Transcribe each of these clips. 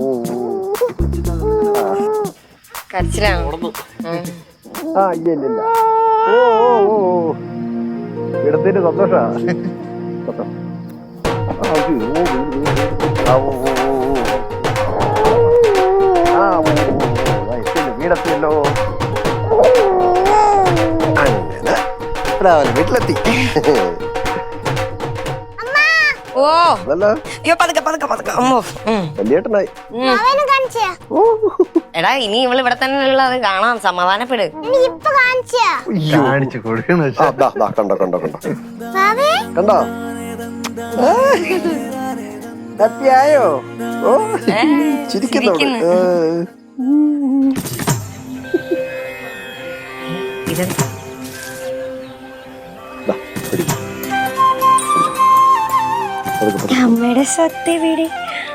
കരച്ചിലാണോ? ഇല്ല ഓ ഇടത്തിന്റെ സന്തോഷ വീടെത്തിയല്ലോ. അങ്ങനെ വീട്ടിലെത്തി. ഓ വലിയേട്ടനായി. എടാ ഇനി ഇവള് ഇവിടെ തന്നെ ഉള്ളത് കാണാം. സമാധാനപ്പെട്. കാണിച്ചു കൊടുക്കണോ? കണ്ടോ കണ്ടോ കണ്ടോ കണ്ടോ? ഹാപ്പിയായോ? ഓ ചിരിക്കുന്നു. അമ്മയുടെ സ്വത്ത് എവിടെ?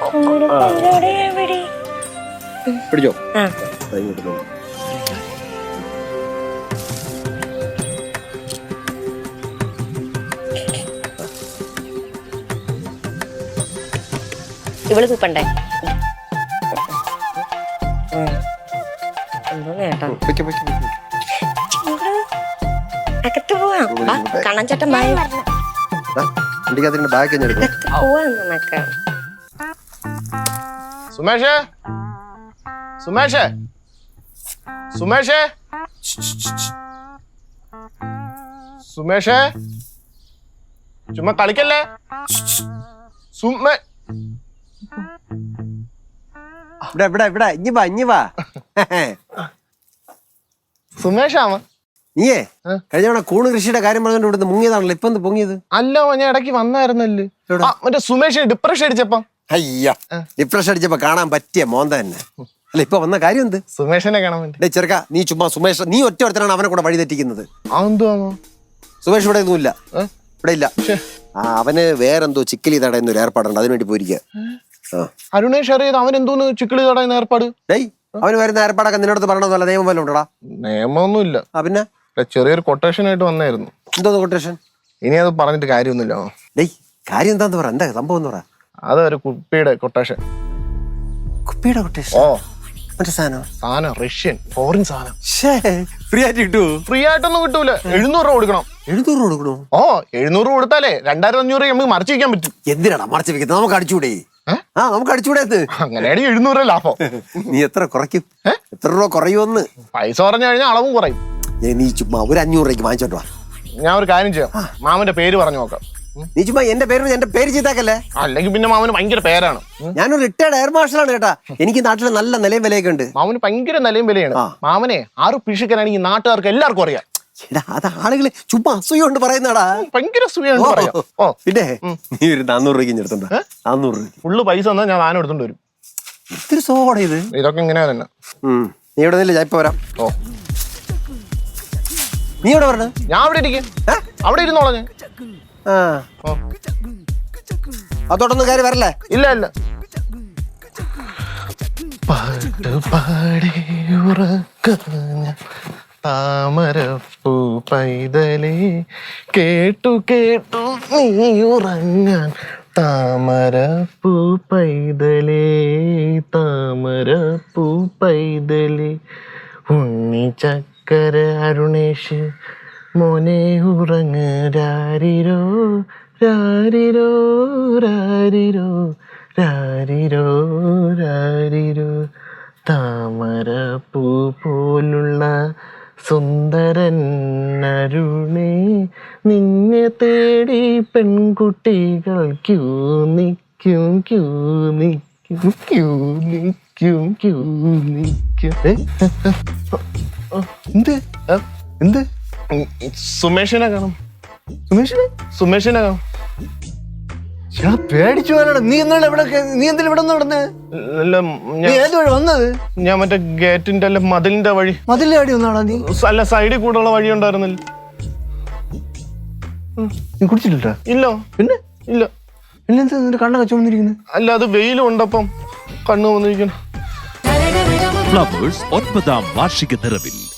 പിടിച്ചോ. ഇവള് തൂപ്പണ്ടേ? എന്തോ നേട്ടാ. അകത്ത് പോവാം. കണ്ണൻചേട്ടൻ ബാഗ് പോവാന്നൊക്കെ. സുമേഷേ, സുമേഷേ, സുമേഷേ, സുമേഷേ, ചുമ്മാ കളിക്കല്ലേ. സുമേഷാമ നീയേ കഴിഞ്ഞ തവണ കൂണ് കൃഷിയുടെ കാര്യം പറഞ്ഞോണ്ട് ഇവിടുന്ന് മുങ്ങിയതാണല്ലോ. ഇപ്പൊ എന്ത് പൊങ്ങിയത്? അല്ല ഞാൻ ഇടയ്ക്ക് വന്നായിരുന്നല്ലേ മറ്റേ സുമേഷ് ഡിപ്രഷൻ അടിച്ചപ്പം. അയ്യ ഡിപ്രഷൻ അടിച്ചപ്പോ കാണാൻ പറ്റിയ മോന്ത തന്നെ അല്ല. ഇപ്പൊ വന്ന കാര്യം എന്ത്? സുമേഷിനെ കാണാൻ വേണ്ടി. ചെറുക്ക നീ ചുമ്മാ സുമേഷ് നീ ഒറ്റ ഒരുത്തനാണ് അവനെ കൂടെ വഴി തെറ്റിക്കുന്നത്. സുമേഷ് ഇവിടെ ഒന്നുമില്ല. ഇവിടെ ഇല്ല. അവന് വേറെന്തോ ചിക്കലി തടയുന്ന ഏർപ്പാടുണ്ട്. അതിനുവേണ്ടി പോയിരിക്കുക. അരുണേഷ് അറിയാതെ അവൻ എന്തോന്ന് ചിക്കിളി തടയുന്ന ഏർപ്പാട്? അവന് വരുന്ന ഏർപ്പാടൊക്കെ നിന്നോട് പറയണമെന്നല്ല നിയമം വല്ല ഉണ്ടോടാ? നിയമമൊന്നുമില്ല. പിന്നെ ചെറിയൊരു കൊട്ടേഷൻ ആയിട്ട് വന്നായിരുന്നു. എന്തോ കൊട്ടേഷൻ? ഇനി അത് പറഞ്ഞിട്ട് കാര്യമൊന്നുമില്ല. കാര്യം എന്താന്ന് പറ. എന്താ സംഭവം എന്ന് പറ. അതൊരു കുപ്പിയുടെ കൊട്ടേഷൻ. കുപ്പിയുടെ കൊട്ടേഷൻ? ഓ മറ്റേ സാധനം റഷ്യൻ ഫോറിൻ സാധനം. ഫ്രീ ആയിട്ട് കിട്ടുമോ? ഫ്രീ ആയിട്ടൊന്നും കിട്ടൂല. 700 രൂപ കൊടുക്കണം. 700 രൂപ കൊടുക്കണോ? ഓ 700 രൂപ കൊടുത്താലേ 2500 നമുക്ക് മറച്ചു വെക്കാൻ പറ്റും. എന്തിനാടാ മറച്ചു വെക്കുന്നത്? നമുക്ക് അടിച്ചുകൂടെ? നമുക്ക് അടിച്ചുകൂടെ? അങ്ങനെയാണ് 700 രൂപ ലാഭം. നീ എത്ര കുറയ്ക്കും? എത്ര രൂപ കുറയുമെന്ന്? പൈസ പറഞ്ഞു കഴിഞ്ഞാൽ അളവും കുറയും. നീ ചുമ്മാ ഒരു 500 രൂപയ്ക്ക് വാങ്ങിച്ചോട്ടോ. ഞാൻ ഒരു കാര്യം ചെയ്യാം. മാമന്റെ പേര് പറഞ്ഞു നോക്കാം. നീ ചുമ്മാ എന്റെ പേര് ചെയ്താക്കല്ലേ. അല്ലെങ്കിൽ പിന്നെ മാമന് ഭയങ്കര പേരാണ്. ഞാനൊരു റിട്ടയർഡ് എയർ മാർഷലാണ് കേട്ടാ. എനിക്ക് നാട്ടിൽ നല്ല നിലയും വിലയൊക്കെ ഉണ്ട്. മാമന് ഭയങ്കര നിലയും വിലയാണ്. മാമനെ 6 പിഷിക്കാനാണെങ്കിൽ നാട്ടുകാർക്ക് എല്ലാവർക്കും അറിയാം. അത് ആളുകള് ചുമ്മാ അസൂയ കൊണ്ട് പറയുന്നടാ. ഭയങ്കര അസൂയാണ്. പിന്നെ നീ ഒരു 400 രൂപയ്ക്ക് എടുത്തുണ്ടോ? 400 രൂപ ഫുള്ള് പൈസ തന്നാ ഞാൻ സാധനം എടുത്തോണ്ട് വരും. ഇത്തിരി സോഡ ഇത്. ഇതൊക്കെ ഇങ്ങനെ തന്നെ. നീ ഇവിടെ നിന്നില്ല, ഞാൻ ഇപ്പൊ വരാം. ഓ നീ ഇവിടെ പറഞ്ഞ? ഞാൻ അവിടെ ഇരിക്കും. അവിടെ ഇരുന്നോളാം ഞാൻ. അതോടൊന്നും കാര്യം വരല്ലേ? ഇല്ല ഇല്ല. പാട്ട് പാടി ഉറക്കഞ്ഞ താമരപ്പൂ പൈതലേ കേട്ടു കേട്ടു നീ ഉറങ്ങാൻ താമരപ്പൂ പൈതലേ താമരപ്പൂ പൈതലേ ഉണ്ണി ചക്കര അരുണേഷ് മോനെ ഉറങ്ങ് രാരിരോ രാരിരോ രാരിരോ രാരിരോ രാരിരോ താമരപ്പൂ പോലുള്ള സുന്ദരൻ അരുണേ നിന്നെ തേടി പെൺകുട്ടികൾ ക്യൂ നിൽക്കും ക്യൂ നിൽക്കും ക്യൂ നിൽക്കും ക്യൂ നിൽക്കും. എന്ത് എന്ത്? സുമേഷിനെ കാണും. സുമേഷിനെ കാണും. പേടിച്ചു പോകാനാണ്. നീ എന്താണ് ഇവിടെ? നീ എന്തിനാ ഇവിടെ നടന്നേ? വന്നത് ഞാൻ മറ്റേ ഗേറ്റിന്റെ അല്ല മതിലിന്റെ വഴി. മതിലിന്റെ വഴി ഒന്നാണോ നീ? അല്ല സൈഡിൽ കൂടെയുള്ള വഴി ഉണ്ടായിരുന്നില്ല. നീ കുടിച്ചിട്ടില്ല? ഇല്ല. പിന്നെ ഇല്ല. പിന്നെന്താ നിന്റെ കണ്ണൊക്കെ ചുമന്നിരിക്കുന്നത്? അല്ല അത് വെയിലും ഉണ്ടപ്പം കണ്ണു വന്നിരിക്കണം. ഫ്ലവേഴ്സ് 9ാം വാർഷിക നിറവിൽ